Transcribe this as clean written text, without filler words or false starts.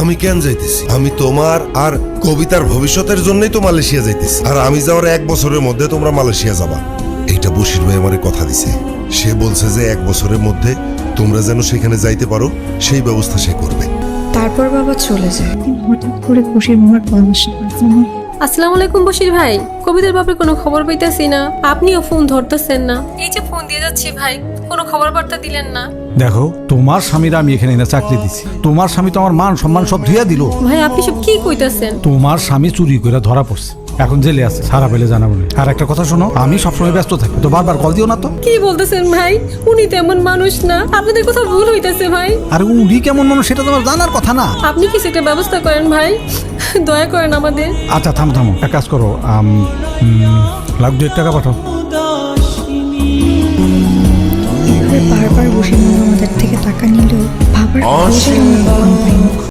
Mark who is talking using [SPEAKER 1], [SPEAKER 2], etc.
[SPEAKER 1] আমি কেন যাইতেছি? আমি তোমার আর কবিতার ভবিষ্যতের জন্যই তো মালয়েশিয়া যাইতেছি। আর আমি যাওয়ার 1 বছরের মধ্যে তোমরা মালয়েশিয়া যাবা, এইটা বশির ভাই আমারে কথা দিছে। সে বলছে যে 1 বছরের মধ্যে তোমরা যেন সেখানে যাইতে পারো সেই ব্যবস্থা সে করবে।
[SPEAKER 2] তারপর বাবা চলে যায়। হঠাৎ করে খুশির মামার পরামর্শ করছে না।
[SPEAKER 3] আসসালামু আলাইকুম বশির ভাই, কবিতার ব্যাপারে কোনো খবর পাইতেছি না, আপনিও ফোন ধরতেছেন না। এই যে ফোন দিয়ে যাচ্ছি ভাই, কোনো খবর বার্তা দিলেন না।
[SPEAKER 4] দেখো, তোমার স্বামীরা আমি এখানে না চাকরি দিছি। তোমার স্বামী তো আমার মান সম্মান সব ধুইয়া দিল।
[SPEAKER 3] ভাই আপনি সব কি কইতাছেন?
[SPEAKER 4] তোমার স্বামী চুরি করে ধরা পড়ছে, এখন জেলে আছে, সারা পেলে জানাবো না। আর একটা কথা শোনো, আমি সবসময় ব্যস্ত থাকি, তো বারবার কল দিও না তো।
[SPEAKER 3] কি বলতেছেন ভাই? উনি তেমন মানুষ না, আপনাদের কথা ভুল হইতাছে ভাই।
[SPEAKER 4] আরে উনি কেমন মানুষ সেটা তোমার জানার কথা না।
[SPEAKER 3] আপনি কিছু একটা ব্যবস্থা করেন ভাই, দয়া করেন আমাদের।
[SPEAKER 4] আচ্ছা থামো থামো, এক কাজ করো, $1,2,000 পাঠাও।
[SPEAKER 2] বারবার বসে মামা আমাদের থেকে টাকা নিলেও ভাবার প্রয়োজন আমরা কখন পাই না।